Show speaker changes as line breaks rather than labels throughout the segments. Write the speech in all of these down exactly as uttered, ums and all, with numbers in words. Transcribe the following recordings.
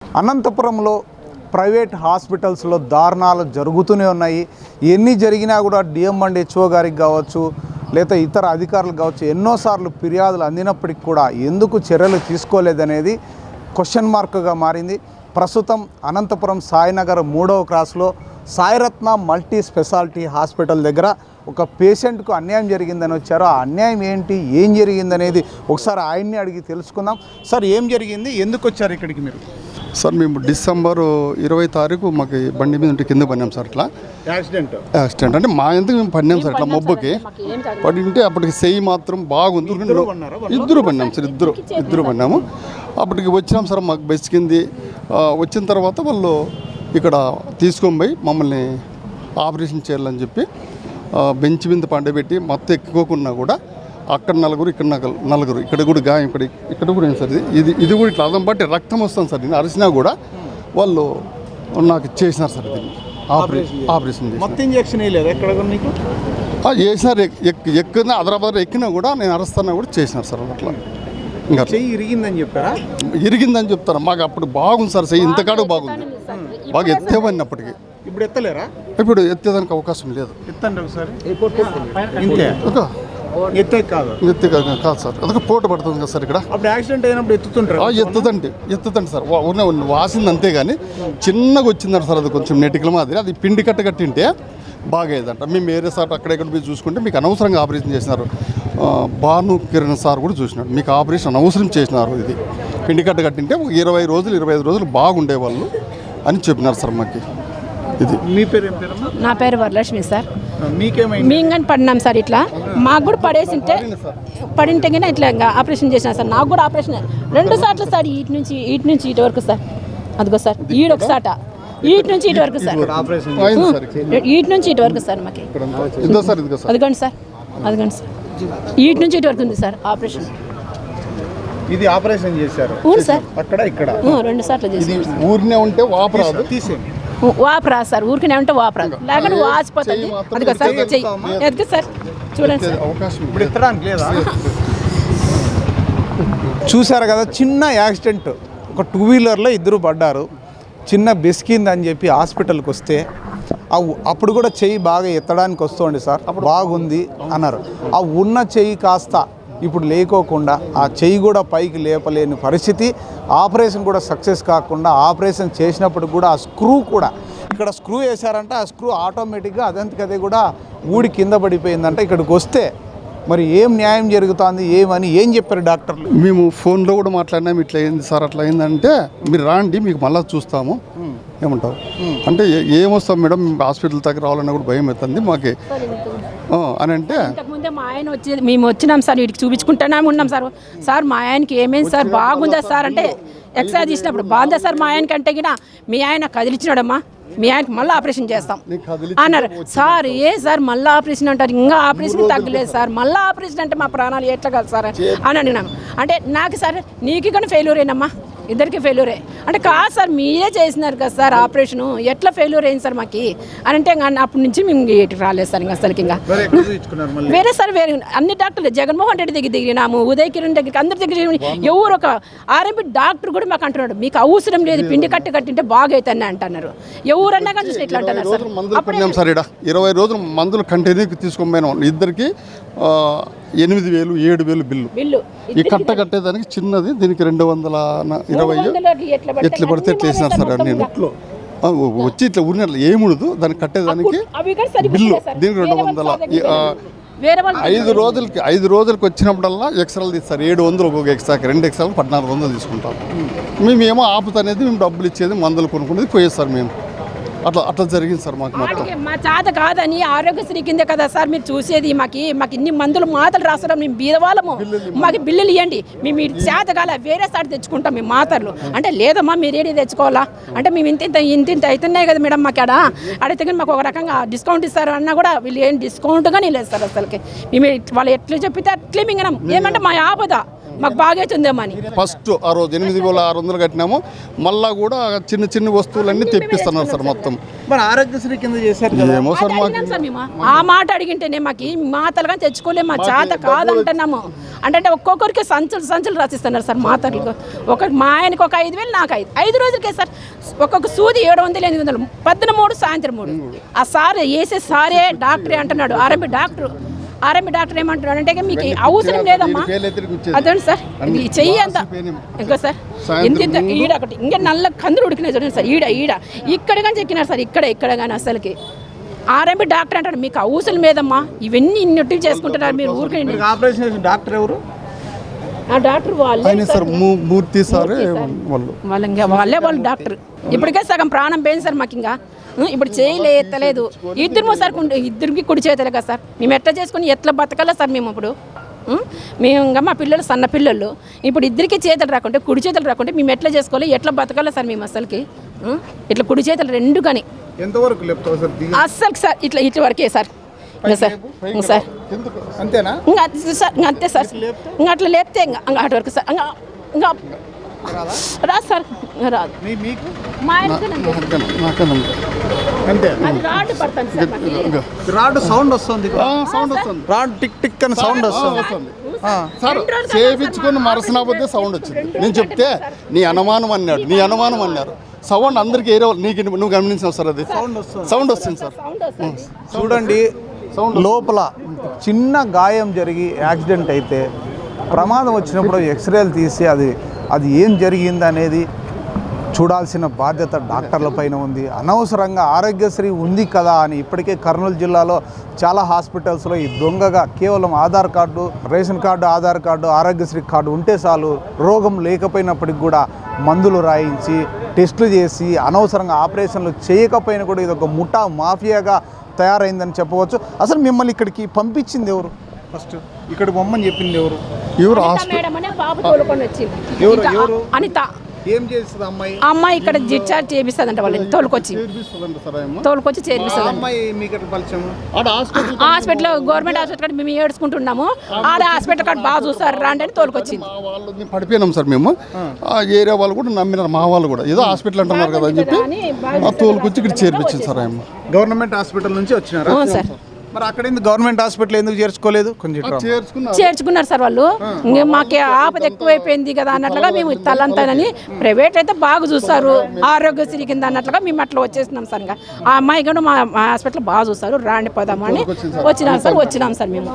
అనంతపురంలో ప్రైవేట్ హాస్పిటల్స్లో దారుణాలు జరుగుతూనే ఉన్నాయి. ఎన్ని జరిగినా కూడా డిఎం అండ్ హెచ్ఓ గారికి కావచ్చు లేదా ఇతర అధికారులు కావచ్చు ఎన్నోసార్లు ఫిర్యాదులు అందినప్పటికి కూడా ఎందుకు చర్యలు తీసుకోలేదనేది క్వశ్చన్ మార్క్గా మారింది. ప్రస్తుతం అనంతపురం సాయినగర్ మూడవ క్రాస్లో సాయిరత్న మల్టీ స్పెషాలిటీ హాస్పిటల్ దగ్గర ఒక పేషెంట్కు అన్యాయం జరిగిందని వచ్చారు. ఆ అన్యాయం ఏంటి, ఏం జరిగిందనేది ఒకసారి ఆయన్ని అడిగి తెలుసుకుందాం. సార్, ఏం జరిగింది, ఎందుకు వచ్చారు ఇక్కడికి మీరు?
సార్, మేము డిసెంబర్ ఇరవై తారీఖు మాకు బండి మీద ఉంటే కింద పడినాం సార్. ఇట్లా
యాక్సిడెంట్
యాక్సిడెంట్ అంటే మా ఎందుకు మేము పడినాం సార్. ఇట్లా మొబ్బకి పడి ఉంటే అప్పటికి చెయ్యి మాత్రం బాగుంది. ఇద్దరు పడినాం సార్, ఇద్దరు ఇద్దరు పడినాము. అప్పటికి వచ్చినాం సార్, మాకు బెస్ట్ కింది వచ్చిన తర్వాత వాళ్ళు ఇక్కడ తీసుకొని పోయి మమ్మల్ని ఆపరేషన్ చేయాలని చెప్పి బెంచ్ మీద పండబెట్టి మొత్తం ఎక్కుకోకున్నా కూడా అక్కడ నలుగురు ఇక్కడ నలుగురు ఇక్కడ కూడా గాయం ఇక్కడ ఇక్కడ కూడా ఏంటి సార్, ఇది ఇది కూడా ఇట్లా అదం బట్టి రక్తం వస్తుంది సార్. నేను అరిసినా కూడా వాళ్ళు నాకు చేసినారు సార్. దీన్ని ఆపరేషన్ ఆపరేషన్
మొత్తం ఇంజెక్షన్ వేయలేదు ఎక్కడ నీకు?
వేసినారు. ఎక్కిన హైదరాబాద్ ఎక్కినా కూడా నేను అరుస్తున్నా కూడా చేసినారు సార్. అట్లా ఇంకా
చెయ్యి ఇరిగిందని చెప్పారా?
ఇరిగిందని చెప్తారా? మాకు అప్పుడు బాగుంది సార్, చెయ్యి ఇంతకాడు బాగుంది, బాగా ఎత్తేవన్నప్పటికీ.
ఇప్పుడు ఎత్తలేరా?
ఇప్పుడు ఎత్తేదానికి అవకాశం లేదు.
ఎత్తండి ఒకసారి. ఎత్తే కాదు
ఎత్తే కాదు కాదు సార్, అదొక పోటు పడుతుంది కదా సార్. ఇక్కడ
అప్పుడు యాక్సిడెంట్ అయినప్పుడు ఎత్తుతుంటారు.
ఎత్తుతండి ఎత్తుతండి సార్, వాసింది అంతే కానీ చిన్నగా వచ్చిందంట సార్. అది కొంచెం నెటికల మాదిరి, అది పిండి కట్ట కట్టింటే బాగా అయ్యేదంట. మేము వేరే సార్ అక్కడెక్కడ పోయి చూసుకుంటే మీకు అనవసరంగా ఆపరేషన్ చేసినారు. భాను కిరణ్ సార్ కూడా చూసినాడు, మీకు ఆపరేషన్ అనవసరం చేసినారు, ఇది పిండి కట్ట కట్టింటే ఒక ఇరవై రోజులు ఇరవై ఐదు రోజులు బాగుండేవాళ్ళు అని చెప్పినారు సార్ మాకు. ఇది
మీ పేరు ఏం పేరు?
నా పేరు వరలక్ష్మి సార్.
మీకేమైంది?
మేము కానీ పడినాం సార్. ఇట్లా మాకు కూడా పడేసింటే పడింటే కానీ ఇట్లా ఇంకా ఆపరేషన్ చేసినా సార్. నాకు కూడా ఆపరేషన్ రెండు సార్లు సార్, ఇటు నుంచి ఇటు నుంచి ఇటు వరకు సార్. అదిగో సార్, ఈడు ఒక సాట, ఇటు నుంచి ఇటు వరకు సార్, ఇటు నుంచి ఇటు వరకు సార్. మాకు అదిగోండి సార్, అదిగోండి సార్, ఇటు నుంచి ఇటు వరకు ఉంది సార్ ఆపరేషన్.
ఇది ఆపరేషన్ చేశారు?
అవును సార్,
అక్కడ ఇక్కడ
రెండు సార్లు చేసి.
ఊరినే ఉంటే వాపరాదు,
తీసేయండి.
వాపరా సార్, ఊరికనే ఉంటే వాపరాదు, లేకపోతే వాసిపోతుంది. అదిగో సార్ చెయ్యి ఎదుగు సార్, చూడండి సార్.
ఇప్పుడు ఎత్తడానికి లేదా? చూశారు కదా, చిన్న యాక్సిడెంట్. ఒక టూ వీలర్లో ఇద్దరు పడ్డారు, చిన్న బెస్కిందని చెప్పి హాస్పిటల్కి వస్తే అప్పుడు కూడా చెయ్యి బాగా ఎత్తడానికి వస్తుంది సార్, బాగుంది అన్నారు. ఆ ఉన్న చెయ్యి కాస్త ఇప్పుడు లేకోకుండా ఆ చెయ్యి కూడా పైకి లేపలేని పరిస్థితి. ఆపరేషన్ కూడా సక్సెస్ కాకుండా ఆపరేషన్ చేసినప్పుడు కూడా ఆ స్క్రూ కూడా ఇక్కడ స్క్రూ వేశారంటే ఆ స్క్రూ ఆటోమేటిక్గా అదంతకదే కూడా ఊడి కింద పడిపోయిందంట. ఇక్కడికి వస్తే మరి ఏం న్యాయం జరుగుతుంది ఏమని ఏం చెప్పారు డాక్టర్లు?
మేము ఫోన్లో కూడా మాట్లాడినాము, ఇట్లా అయింది సార్ అట్లా అయిందంటే మీరు రాండి మీకు మళ్ళీ చూస్తాము ఏమంటావు అంటే ఏమొస్తాం మేడం, హాస్పిటల్ దగ్గర రావాలన్నా కూడా భయం అవుతుంది మాకే అని అంటే.
ఇంతకుముందే మా ఆయన వచ్చి మేము వచ్చినాం సార్, వీటికి చూపించుకుంటానే ఉన్నాం సార్. సార్ మా ఆయనకి ఏమైంది సార్, బాగుందా సార్ అంటే ఎక్స్రే తీసినప్పుడు బాగుందా సార్ మా ఆయనకి అంటే గిన మీ ఆయన కదిలిచ్చినాడమ్మా, మీ ఆయనకి మళ్ళీ ఆపరేషన్ చేస్తాం అన్నారు సార్. ఏ సార్ మళ్ళీ ఆపరేషన్ అంటారు, ఇంకా ఆపరేషన్ తగ్గలేదు సార్, మళ్ళీ ఆపరేషన్ అంటే మా ప్రాణాలు ఎట్లా కాదు సార్ అని అడిగినాము. అంటే నాకు సార్ నీకు కానీ ఫెయిల్యూర్ అయినమ్మా, ఇద్దరికి ఫెయిల్యూరే అంటే కాదు సార్, మీరే చేసినారు కదా సార్ ఆపరేషను, ఎట్లా ఫెయిల్యూర్ అయింది సార్ మాకు అని అంటే అప్పటి నుంచి మేము ఇటు రాలేదు సార్. ఇంకా అసలుకి ఇంకా వేరే సార్ వేరే అన్ని డాక్టర్లు జగన్మోహన్ రెడ్డి దగ్గర దిగినాము, ఉదయ్ కిరణ్ దగ్గరికి అందరి దగ్గర ఎవరు ఒక ఆర్ఎంపీ డాక్టర్ కూడా మాకు అంటున్నాడు మీకు అవసరం లేదు, పిండి కట్టి కట్టింటే బాగా అవుతాయి అంటున్నారు. ఎవరన్నా కానీ చూసి ఇట్లా అంటున్నారు సార్.
సార్ ఇక్కడ ఇరవై రోజులు మందులు కంటిన్యూ తీసుకొని పోయినాం, ఇద్దరికి ఎనిమిది వేలు ఏడు వేలు బిల్లు.
బిల్లు
ఈ కట్ట కట్టేదానికి చిన్నది, దీనికి రెండు వందల ఇరవై ఎట్లా పడితే ఎట్లా వేసినారు సార్. నేను వచ్చి ఇట్లా ఊరినట్లు ఏముండదు దానికి కట్టేదానికి బిల్లు, దీనికి రెండు వందల ఐదు రోజులకి ఐదు రోజులకి వచ్చినప్పుడల్లా ఎక్స్ట్రాలు తీస్తారు. ఏడు వందలు ఒక్కొక్క ఎక్స్ట్రాకి, రెండు ఎక్స్ట్రాలు పద్నాలుగు వందలు తీసుకుంటాం. మేమేమో ఆపుతనేది మేము డబ్బులు ఇచ్చేది, మందులు కొనుక్కునేది పోయేస్తారు మేము. అట్లా అట్లా జరిగింది సార్ మాకు. మొత్తం
మా చేత కాదని ఆరోగ్యశ్రీ కింద కదా సార్ మీరు చూసేది. మాకు మాకు ఇన్ని మందులు మాతలు రాస్తాం, మేము బీదవాళ్ళము, మాకు బిల్లులు ఇవ్వండి, మేము చేత కాల వేరే సార్ తెచ్చుకుంటాం మేము మాతలు అంటే. లేదమ్మా మీరేది తెచ్చుకోవాలా అంటే మేము ఇంత ఇంత ఇంత ఇంత అవుతున్నాయి కదా మేడం మాకు ఆడ అడిగితే కానీ మాకు ఒక రకంగా డిస్కౌంట్ ఇస్తారు అన్నా కూడా వీళ్ళు ఏం డిస్కౌంట్గా లేదు సార్ అసలుకి. మేము వాళ్ళు ఎట్లా చెప్పితే అట్లే మింగనం. ఏమంటే మా ఆపద మాకు బాగవుతుందేమో అని.
ఫస్ట్ ఆ రోజు ఎనిమిది వేల ఆరు వందలు కట్టినాము, మళ్ళా కూడా చిన్న చిన్న వస్తువులన్నీ తెప్పిస్తున్నారు సార్ మొత్తం.
మరి ఆరోగ్యశ్రీ కింద చేశారు కదా.
ఏమో సార్ మాకు
అడిగినాం సార్ మేము. ఆ మాట అడిగింటేనే మాకు ఈ మాతలుగా తెచ్చుకోలేము, మా చేత కాదంటున్నాము. అంటే ఒక్కొక్కరికి సంచులు సంచులు రాసిస్తున్నారు సార్ మాతలకు. ఒక మా ఆయనకి ఒక ఐదు వేలు, నాకు ఐదు ఐదు రోజులకే సార్ ఒక్కొక్క సూది ఏడు వందలు ఎనిమిది వందలు పొద్దున మూడు సాయంత్రం మూడు. ఆ సార్ వేసే సారే డాక్టరే అంటున్నాడు. ఆర్ఎంపీ డాక్టర్ ఆర్ఎంపీ డాక్టర్ ఏమంటున్నాడు అంటే మీకు అవసరం లేదమ్మా అదండి సార్, ఇది చెయ్యి అంత ఇంకా సార్ ఇంత ఇంత ఈడ ఒకటి ఇంకా నల్ల కందులు ఉడికినాయి చూడండి సార్, ఈడ ఈడ ఇక్కడ కానీ చెక్కినారు సార్, ఇక్కడ ఇక్కడ కానీ అసలుకి. ఆర్ఎంపీ డాక్టర్ అంటాడు మీకు అవసరం లేదమ్మా, ఇవన్నీ ఇన్నట్టు చేసుకుంటున్నారు మీరు ఊరికే.
ఆపరేషన్ చేసిన డాక్టర్ ఎవరు?
ఆ డాక్టర్ వాళ్ళే
సార్ మూర్తి సార్ వాళ్ళు
వాళ్ళ ఇంకా వాళ్ళే వాళ్ళు డాక్టర్. ఇప్పటికే సగం ప్రాణం పోయింది సార్ మాకు. ఇంకా ఇప్పుడు చేయలే ఎత్తలేదు ఇద్దరు సార్, ఇద్దరికి కుడి చేతలే కదా సార్. మేము ఎట్లా చేసుకుని ఎట్లా బతకాలా సార్ మేము ఇప్పుడు? మేము ఇంకా మా పిల్లలు సన్న పిల్లలు, ఇప్పుడు ఇద్దరికి చేతులు రాకుంటే కుడి చేతులు రాకుంటే మేము ఎట్లా చేసుకోవాలి, ఎట్లా బతకాలా సార్ మేము అసలుకి? ఇట్లా కుడి చేతులు రెండు కానీ
ఎంతవరకు లేపుతావు సార్?
అస్సలు సార్ ఇట్లా ఇట్లా వరకే సార్. ఇంకా సార్ ఇంకా సార్
అంతేనా?
ఇంకా సార్ ఇంకా అంతే సార్. ఇంకా అట్లా లేపితే ఇంకా ఇంకా అటు వరకు సార్. ఇంకా ఇంకా రాదు సార్, రాదు. మా
అంతే
రాడ్ పడుతుంది సార్ మాకు.
రాడ్ సౌండ్ వస్తుంది,
సౌండ్ వస్తుంది,
రాడ్ టిక్ టిక్ అని సౌండ్ వస్తుంది.
సార్ చేయించుకొని మరసనా పోతే సౌండ్ వచ్చింది. నేను చెప్తే నీ అనుమానం అన్నాడు, నీ అనుమానం అన్నారు. సౌండ్ అందరికి ఏరే నీకు నువ్వు గమనించావు సార్, అది సౌండ్ వస్తుంది సార్.
చూడండి, లోపల చిన్న గాయం జరిగి యాక్సిడెంట్ అయితే ప్రమాదం వచ్చినప్పుడు ఎక్స్రేలు తీసి అది అది ఏం జరిగింది అనేది చూడాల్సిన బాధ్యత డాక్టర్ల పైన ఉంది. అనవసరంగా ఆరోగ్యశ్రీ ఉంది కదా అని ఇప్పటికే కర్నూలు జిల్లాలో చాలా హాస్పిటల్స్లో ఈ దొంగగా కేవలం Aadhaar card, ration card, Aadhaar card, Aarogyasri card ఉంటే చాలు, రోగం లేకపోయినప్పటికి కూడా మందులు రాయించి టెస్టులు చేసి అనవసరంగా ఆపరేషన్లు చేయకపోయినా కూడా ఇది ఒక ముఠా మాఫియాగా తయారైందని చెప్పవచ్చు. అసలు మిమ్మల్ని ఇక్కడికి పంపించింది ఎవరు? ఫస్ట్ ఇక్కడ బొమ్మని చెప్పింది ఎవరు?
ఎవరు
ఎవరు ఎవరు
అనిత
ఏం చేస్తుంది అమ్మాయి?
అమ్మాయి ఇక్కడ డిశ్చార్జ్ చేపిస్తుందంట, వాళ్ళని తోలుకొచ్చి తోలుకొచ్చి చేర్పిస్తుంది.
అమ్మాయి మీకు పరిచయం?
హాస్పిటల్ గవర్నమెంట్ హాస్పిటల్ మేము ఏడ్చుకుంటున్నాము, ఆడ హాస్పిటల్ కార్డు బాగా చూస్తారు రాండి అని తోలుకొచ్చింది.
వాళ్ళు పడిపోయినాం సార్ మేము. ఆ ఏరియా వాళ్ళు కూడా నమ్మినారు, మా వాళ్ళు కూడా ఏదో హాస్పిటల్ అంటున్నారు కదా అని చెప్పి తోలుకొచ్చి ఇక్కడ చేర్పించింది సార్. అమ్మ
గవర్నమెంట్ హాస్పిటల్ నుంచి వచ్చినారు సార్. మరి అక్కడ గవర్నమెంట్ హాస్పిటల్ ఎందుకు చేర్చుకోలేదు? కొంచెం
చేర్చుకున్నారు సార్ వాళ్ళు. ఇంకా మాకు ఆపద ఎక్కువైపోయింది కదా అన్నట్లుగా మేము తలంతానని, ప్రైవేట్ అయితే బాగా చూస్తారు ఆరోగ్యశ్రీ కింద అన్నట్లుగా మేము అట్లా వచ్చేసినాం సార్. ఇంకా ఆ అమ్మాయి కూడా మా హాస్పిటల్ బాగా చూస్తారు రాండి పోదామని వచ్చినాం సార్. వచ్చినాం సార్ మేము.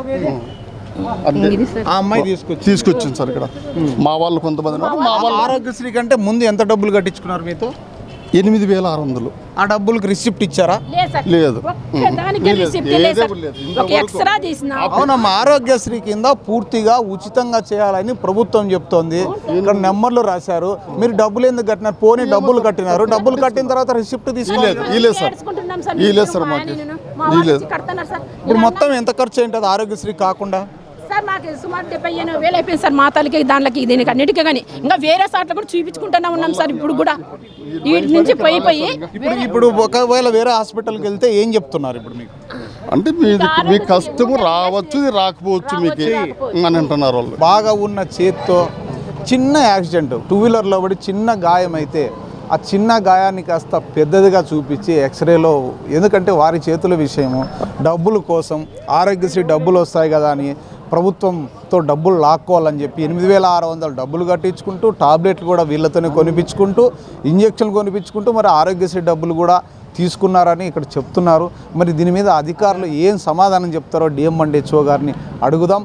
ఆ అమ్మాయి తీసుకొచ్చి
తీసుకొచ్చింది సార్ ఇక్కడ. మా వాళ్ళు కొంతమంది
మా వాళ్ళు ఆరోగ్యశ్రీ కంటే ముందు ఎంత డబ్బులు కట్టించుకున్నారు మీతో?
ఎనిమిది వేల ఆరు వందలు.
ఆ డబ్బులకి రిసిప్ట్ ఇచ్చారా?
లేదు.
అవునమ్మా, ఆరోగ్యశ్రీ కింద పూర్తిగా ఉచితంగా చేయాలని ప్రభుత్వం చెప్తోంది. ఇక్కడ నెంబర్లు రాశారు, మీరు డబ్బులు ఎందుకు కట్టినారు? పోనీ డబ్బులు కట్టినారు, డబ్బులు కట్టిన తర్వాత రిసిప్ట్ తీసుకోలేదు. ఇప్పుడు మొత్తం ఎంత ఖర్చు ఏంటది ఆరోగ్యశ్రీ కాకుండా?
సార్ మాకు సుమారు డెబ్బై ఎనభై వేలు అయిపోయింది సార్ మా తల్లికి దానికి దీనికి అన్నిటికీ. కానీ ఇంకా వేరే సార్లు కూడా చూపించుకుంటూనే ఉన్నాం సార్. ఇప్పుడు కూడా వీటి నుంచి పోయి పోయి
ఇప్పుడు ఇప్పుడు ఒకవేళ వేరే హాస్పిటల్కి వెళ్తే ఏం చెప్తున్నారు ఇప్పుడు మీకు?
అంటే మీది మీ కష్టము రావచ్చు రాకపోవచ్చు మీకు అని అంటున్నారు వాళ్ళు.
బాగా ఉన్న చేత్తో చిన్న యాక్సిడెంట్, టూ వీలర్లో పడి చిన్న గాయం అయితే ఆ చిన్న గాయాన్ని కాస్త పెద్దదిగా చూపించి ఎక్స్రేలో, ఎందుకంటే వారి చేతుల విషయము, డబ్బుల కోసం ఆరోగ్యశ్రీ డబ్బులు వస్తాయి కదా అని ప్రభుత్వంతో డబ్బులు లాక్కోవాలని చెప్పి ఎనిమిది వేల ఆరు వందలు డబ్బులు కట్టించుకుంటూ టాబ్లెట్లు కూడా వీళ్ళతోనే కొనిపించుకుంటూ ఇంజక్షన్లు కొనిపించుకుంటూ మరి ఆరోగ్యశ్రీ డబ్బులు కూడా తీసుకున్నారని ఇక్కడ చెప్తున్నారు. మరి దీని మీద అధికారులు ఏం సమాధానం చెప్తారో డిఎం అండ్ హెచ్ఓ గారిని అడుగుదాం.